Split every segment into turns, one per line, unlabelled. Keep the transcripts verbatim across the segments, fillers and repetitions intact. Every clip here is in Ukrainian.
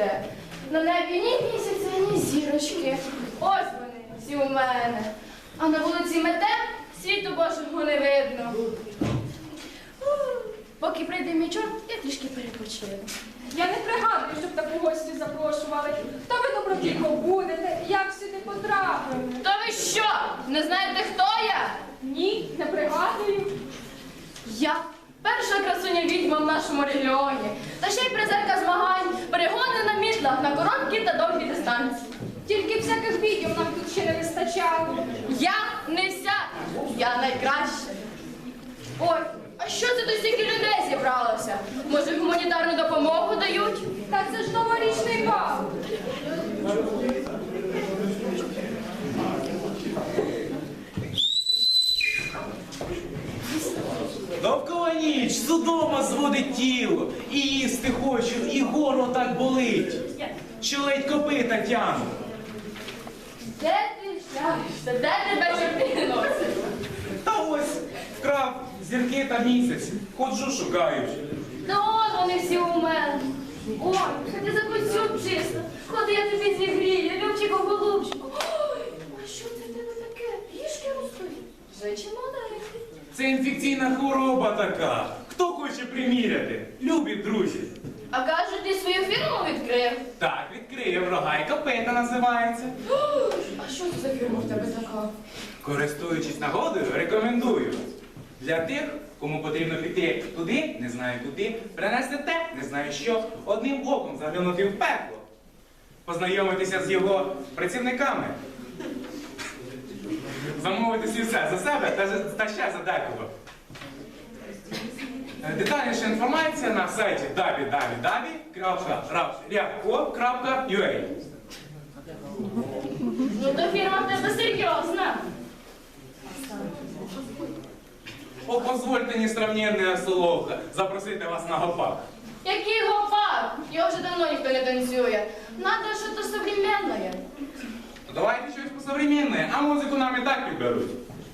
буде. На небі ні місяця, ні зірочки. Ось вони, всі у мене. А на вулиці мете, світу Божого не видно. Поки прийде мій чорт, я трішки перепочину.
Я не пригадую, щоб таку гостю запрошували. Та ви добродійко будете, як сюди потрапили?
То ви що, не знаєте, хто я?
Ні, не пригадую.
Я перша красуня відьма в нашому регіоні. Та ще й призерка змагань, перегони на мітлах, на короткі та довгі дистанції.
Тільки всяких відео нам тут ще не вистачало.
Я не вся, я найкраща. Ой, а що це до стільки людей зібралося? Може, гуманітарну допомогу дають?
Та це ж новорічний бал.
Довкола ніч, судома зводить тіло, і їсти хочу, і горло так болить, що ледь копита тяну.
Де ти взявся? Де тебе чорти носять?
Та ось вкрав зірки та місяць, ходжу шукаю.
Та от вони всі у мене. Ой, ти закусю чисто. Ходи, я тобі зігрію, Любчику, голубчику. Ой, а що це в тебе таке? Пішки ростуть? Вже чи маленький?
Це інфекційна хвороба така. Хто хоче приміряти? Любі друзі.
А кажуть, ти свою фірму відкрив?
Так, відкриє врага і копита називається.
Ой, а що це за фірма в тебе така?
Користуючись нагодою, рекомендую. Для тих, кому потрібно піти туди, не знаю куди, принести те, не знаю що, одним оком заглянути в пекло, познайомитися з його працівниками, замовити всі все за себе та, та ще за декого. Детальніша інформація на сайті дабі дабі дабі крапка рябко крапка ю а.
Ну то фірма в тебе серйозна.
О, позвольте, несравненная соловка, запросити вас на гопак.
Який гопак? Його вже давно ніхто не танцює. Надо щось современне.
Ну, давайте щось посовременне, а музику нам і так підберуть.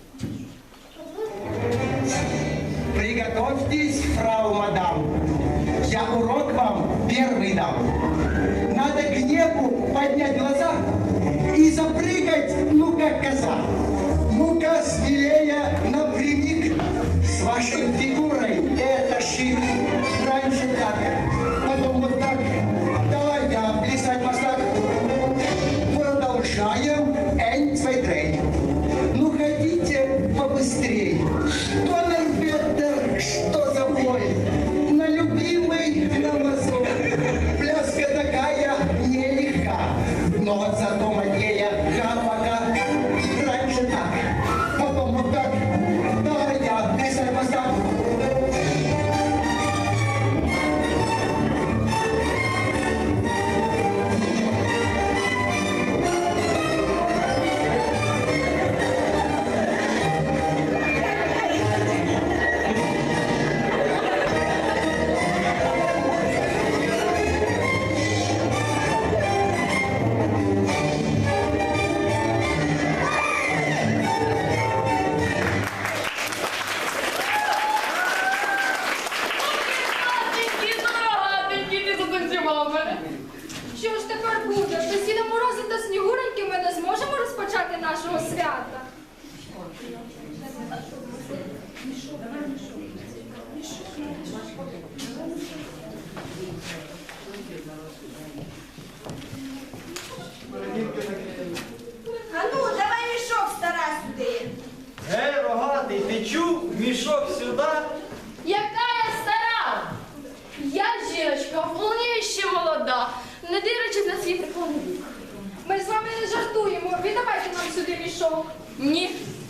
Приготовьтесь, фрау мадам. Я урок вам первый дам. Надо к небу поднять глаза и запрыгать, ну как коза. Ну-ка, смелее, напрямик. С вашей фигурой это шик. Раньше так, потом вот так. Давайте плясать мостак. Продолжаем. Ein, zwei, drei. Ну, хотите побыстрей. Что Норбеттер, что за бой? На любимый, на мазок. Пляска такая нелегка. Но вот зато манея хапака. Раньше так, потом вот так. Давай я, плясать мостак.
Матенькі, дорогатенькі, ти затанцював мене.
Що ж тепер буде? Без Діда Мороза та Снігуреньки ми не зможемо розпочати нашого свята.
А ну, давай мішок, стара, сюди.
Гей, рогатий, ти чув? Мішок сюди.
Яка я стара? Я жіночка, вполне ще молода, не дивлячись на свій преклонний вік.
Ми з вами не жартуємо. Віддавайте нам сюди мішок.
Ні,